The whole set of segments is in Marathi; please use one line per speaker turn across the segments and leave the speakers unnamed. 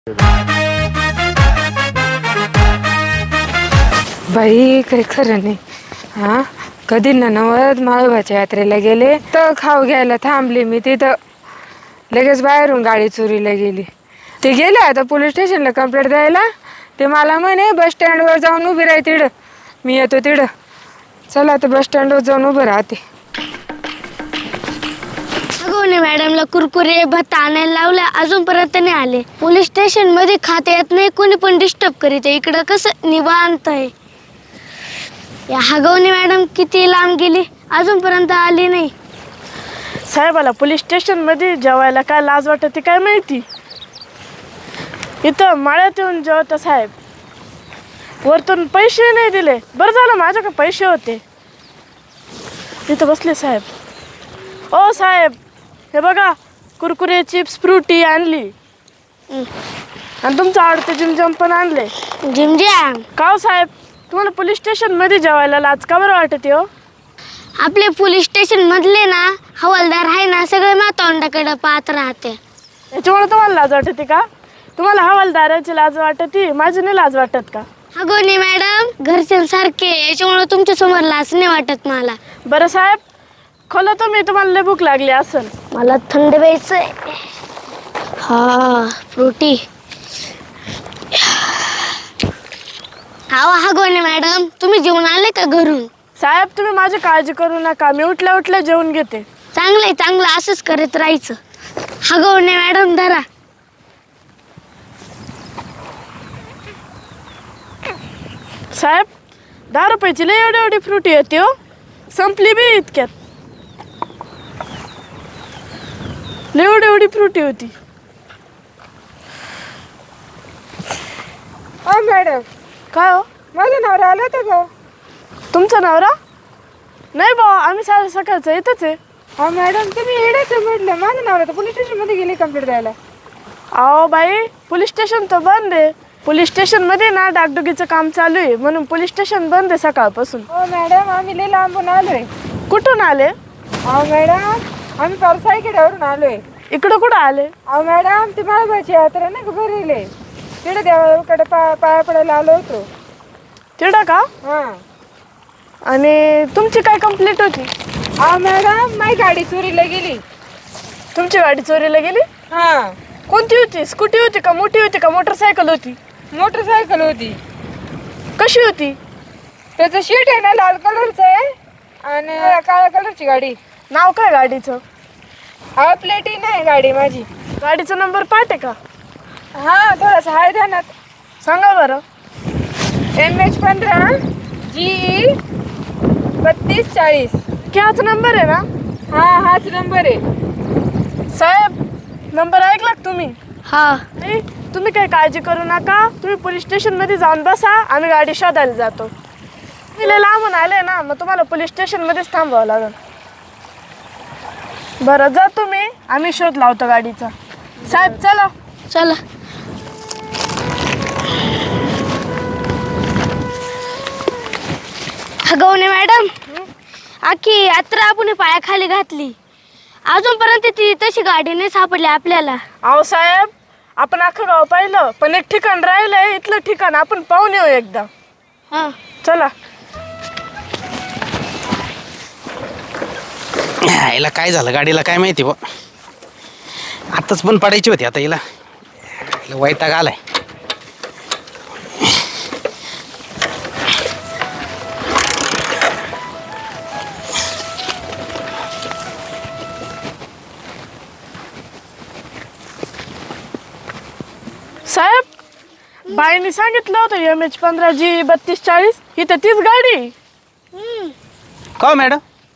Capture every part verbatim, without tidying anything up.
बाई काही खरं नाही. हा कधी ना नवद माळोबाच्या यात्रेला गेले तर खाऊ घ्यायला थांबले मी तिथं, लगेच बाहेरून गाडी चोरीला गेली. ते गेले आता पोलीस स्टेशनला कंप्लेंट द्यायला. ते मला म्हणे बस स्टँडवर जाऊन उभी राही तिकडं, मी येतो तिकडं. चला आता बस स्टँडवर जाऊन उभं राहते.
अगोने मॅडमला कुरकुरे भत्ता आणायला लावला, अजूनपर्यंत नाही आले. पोलीस स्टेशन मध्ये खाता येत नाही, कोणी पण डिस्टर्ब करीत. इकडं कसं निवांत आहे. या हगवणे मॅडम किती लांब गेली, अजूनपर्यंत आली नाही.
साहेबाला पोलीस स्टेशन मध्ये जेवायला काय लाज वाटते काय माहिती. इथं माळ्यात येऊन जेवता साहेब, वरतून पैसे नाही दिले. बरं झालं माझ्याकडे पैसे होते. इथं बसले साहेब. ओ साहेब, हे बघा कुरकुरे चिप्स फ्रुटी आणली, आणि तुमचं आवडते जिमजम पण आणले.
जिमजॅम
का हो साहेब, तुम्हाला पोलीस स्टेशन मध्ये जेवायला लाज का बरं वाटते हो?
आपले पोलीस स्टेशन मधले ना हवालदार आहे ना, सगळे मातोंडाकडे पाहत राहते.
याच्यामुळे तुम्हाला लाज वाटते का? तुम्हाला हवालदाराची लाज वाटते, माझी नाही लाज वाटत का?
अगोने मॅडम घरच्यांसारखे, याच्यामुळे तुमच्या समोर लाज नाही वाटत मला.
बरं साहेब, खोला तुम्ही, तुम्हाला लय भूक लागली असेल.
मला थंड प्यायचंय. हा फ्रुटी. हा हगवणे मॅडम, तुम्ही जेवून आले का घरून?
साहेब तुम्ही माझी काळजी करू नका, मी उठल्या उठल्या जेवून घेते.
चांगलंय चांगलं, असंच करत राहायचं. हगवणे मॅडम धरा.
साहेब दहा रुपयाची लय एवढी एवढी फ्रुटी येते हो, संपली बी इतक्यात. लय एवढी एवढी फ्रुटी होती.
हा मॅडम,
काय हो?
माझा नवरा आला होता का?
तुमचा नवरा? नाही भाऊ, आम्ही सारे सकाळचं येतच आहे.
हा मॅडम, तुम्ही येण्याचं म्हटलं, माझा नवरा तर पोलीस स्टेशन मध्ये गेले कंप्लेंट द्यायला.
अहो बाई, पोलीस स्टेशन तर बंद आहे. पोलीस स्टेशन मध्ये ना डागडुगीचं काम चालू आहे, म्हणून पोलीस स्टेशन बंद आहे सकाळपासून.
हो मॅडम, आम्ही लय लांबून आलोय.
कुठून आले?
अहो मॅडम, आम्ही पारसाईकड्यावरून आलोय.
इकडं कुठं आले?
अहो मॅडम, ती माळोबाची यात्रा नाही का भरले, तिकडे देवाकडे पा पाया पडायला आलो होतो.
तिकडं का?
हा.
आणि तुमची काय कंप्लेंट होती?
अहो मॅडम, माझी गाडी चोरीला गेली.
तुमची गाडी चोरीला गेली?
हा.
कोणती होती? स्कूटी होती का, मोठी होती का, मोटरसायकल होती?
मोटरसायकल होती.
कशी होती?
त्याचं शीट आहे ना लाल कलरचं आहे, आणि काळ्या कलरची गाडी.
नाव काय गाडीचं?
अहो प्लेटी नाही गाडी माझी.
गाडीचा नंबर पाठ आहे का?
हा, थोडासा हाय ध्यानात.
सांगा बरं.
एम एच पंधरा जी बत्तीस चाळीस.
हाच नंबर आहे ना?
हा, हाच नंबर आहे.
साहेब नंबर ऐकला का तुम्ही?
हा.
नाही, तुम्ही काही काळजी करू नका. तुम्ही पोलीस स्टेशन मध्ये जाऊन बसा, आम्ही गाडी शोधायला जातो. तुम्ही लांबून आले ना, मग तुम्हाला पोलीस स्टेशन मध्येच थांबावं लागेल. बरं जा तुम्ही, आम्ही शोध लावतो गाडीचा. साहेब चला.
चला. हगवणे मॅडम, आखी यात्रा आपण पायाखाली घातली, अजूनपर्यंत ती तशी गाडी नाही सापडली आपल्याला.
अहो साहेब, आपण अख्खं गाव पाहिलं, पण एक ठिकाण राहिलंय. इथलं ठिकाण आपण पाहून येऊ एकदा.
हा
चला.
हिला काय झालं गाडीला काय माहिती बा. आताच पण पडायची होती, आता हिला वैताग आलाय.
साहेब बाईने सांगितलं होतं एम एच पंधरा जी बत्तीस चाळीस, ही तर तीच गाडी.
का मॅडम,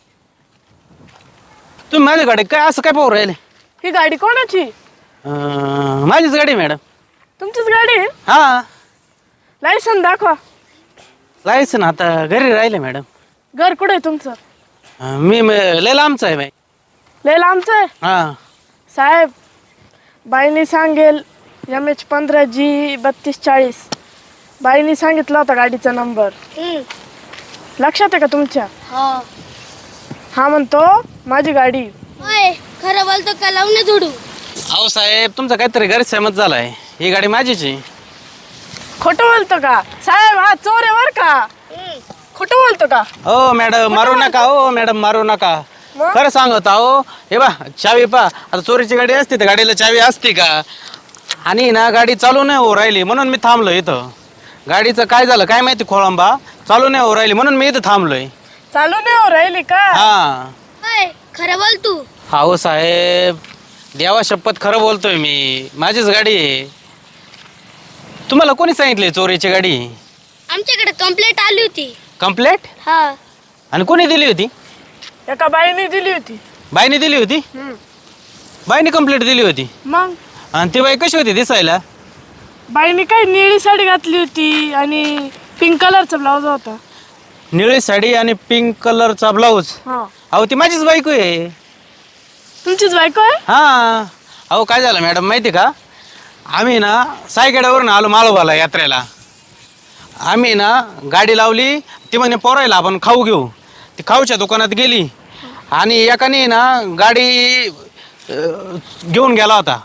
तुम्ही माझ्या गाडी काय असं काय पाहू राहिले?
ही गाडी कोणाची?
अं, माझीच गाडी आहे मॅडम.
तुमचीच गाडी आहे?
हा.
लायसन दाखवा.
जायचं ना, आता घरी राहिले मॅडम.
घर कुठे आहे तुमचं?
अं, मी म- लय लांबचं आहे बाई.
लय लांबचं आहे?
हा.
साहेब बाईने सांगेल एम एच पंधरा जी बत्तीस चाळीस. बाईने सांगितला होता गाडीचा नंबर. लक्षात आहे का तुमच्या? हा म्हणतो माझी गाडी.
खरं बोलतो का लावून जोडू?
अहो साहेब, तुमचा काहीतरी गैरसमज झालाय. ही गाडी माझीच आहे.
खोटं बोलतो का साहेब? हा चोर आहे बर का. खोटं बोलतो का?
हो मॅडम मारू नका, हो मॅडम मारू नका.
मग?
खरं सांगत आहो. हे बा चावी पा, आता चोरीची गाडी असते तर गाडीला चावी असते का? आणि ना गाडी चालू नाही हो राहिली म्हणून मी थांबलो इथं. गाडीचं काय झालं काय माहिती, खोळंबा चालू नाही हो राहिली म्हणून मी इथं थांबलोय.
चालू नाही हो राहिली का?
हा
होय, खरं बोल तू.
हो साहेब, देवा शपथ खरं बोलतोय मी. माझीच गाडी आहे. तुम्हाला कोणी सांगितले चोरीची गाडी?
आमच्याकडे कंप्लेंट आली होती.
कंप्लेंट?
हा.
आणि कोणी दिली होती?
एका बाईने दिली होती.
बाईने दिली होती? बाईने कंप्लेंट दिली होती.
मग
आणि ती बाई कशी होती दिसायला?
बाईने काय निळी साडी घातली होती आणि पिंक कलरचा ब्लाउज होता.
निळी साडी आणि पिंक कलरचा ब्लाऊज?
हा.
अहो ती माझीच बायको आहे.
तुमचीच बायको आहे?
हा. अहो काय झालं मॅडम माहिती का, आम्ही ना सायगड्यावरून आलो माळोबाला यात्रेला. आम्ही ना गाडी लावली, ती म्हणे पोरायला आपण खाऊ घेऊ. ती खाऊच्या दुकानात गेली आणि एकाने ना गाडी अं, घेऊन गेला होता.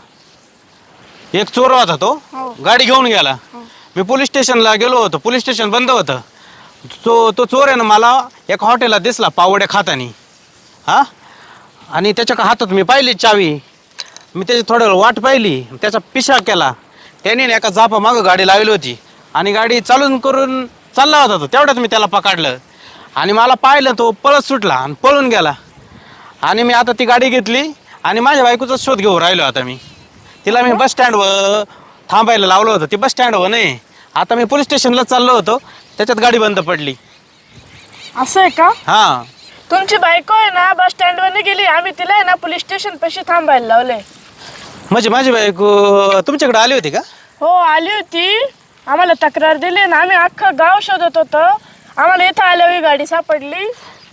एक चोर होता तो, गाडी घेऊन गेला. मी पोलीस स्टेशनला गेलो होतो, पोलीस स्टेशन बंद होतं. तो तो चोर आहे ना मला एका हॉटेलात दिसला पावड्या खातानी. हा. आणि त्याच्या हातात मी पाहिली चावी. मी त्याची थोड्या वेळ वाट पाहिली, त्याचा पिशा केला. त्याने ना एका जापा मागं गाडी लावली होती आणि गाडी चालून करून चालला होता तो. तेवढ्यात मी त्याला पकडलं आणि मला पाहिलं, तो पळत सुटला आणि पळून गेला. आणि मी आता ती गाडी घेतली आणि माझ्या बायकोचा शोध घेऊन राहिलो आता मी. तिला मी बस स्टँडवर थांबायला लावलं होतं, ती बस स्टँडवर नाही. आता मी पोलीस स्टेशनला चाललो होतो, त्याच्यात गाडी बंद पडली.
असं आहे का?
हां.
तुमची बायको आहे ना बस स्टँडवर गेली, आम्ही तिला आहे ना पोलीस स्टेशन पाशी थांबायला लावले.
म्हणजे माझी बायको तुमच्याकडे आली होती का?
हो आली होती. आम्हाला तक्रार दिली ना, आम्ही अख्खं गाव शोधत होतो. आम्हाला इथं आल्यावर ही गाडी सापडली.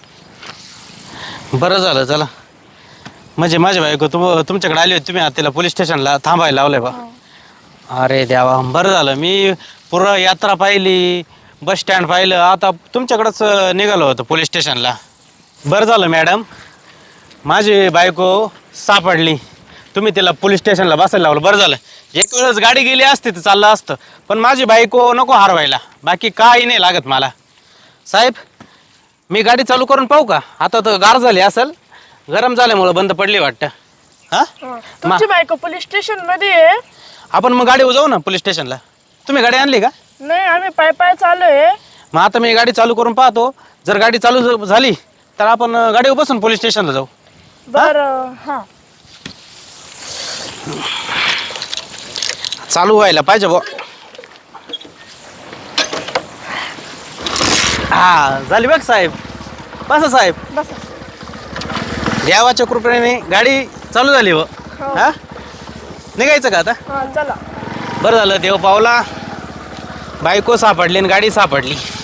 बरं झालं चला. म्हणजे माझी बायको तुम तुमच्याकडे आली होती, तुम्ही आता तिला पोलीस स्टेशनला थांबायला लावलंय बा. अरे देवा, बरं झालं. मी पुरं यात्रा पाहिली, बस स्टँड पाहिलं, आता तुमच्याकडंच निघालो होतो पोलीस स्टेशनला. बरं झालं मॅडम, माझी बायको सापडली. तुम्ही तिला पोलीस स्टेशनला बसायला लावलं, बरं झालं. एक वेळेस गाडी गेली असती तर चाललं असतं, पण माझी बायको नको हरवायला. बाकी काही नाही लागत मला. साहेब मी गाडी चालू करून पाहू का? आता तर गार झाली असेल, गरम झाल्यामुळं बंद पडली वाटतं. हां.
तुमची बायको पोलीस स्टेशन मध्ये आहे.
आपण मग गाडी जाऊ ना पोलीस स्टेशनला. तुम्ही गाडी आणली का?
नाही, आम्ही पाय पाय चालू आहे.
मग आता मी गाडी चालू करून पाहतो. जर गाडी चालू ज- झाली तर आपण गाडीवर बसून पोलीस स्टेशनला जाऊ.
बरं. हा.
चालू व्हायला पाहिजे बा. हा झाली बघ साहेब. बसा साहेब.
बसा.
देवाच्या कृपेने गाडी चालू झाली व. हा निघायचं का आता?
हा चला.
बरं झालं, देव पावला. बायको सापडली आणि गाडी सापडली.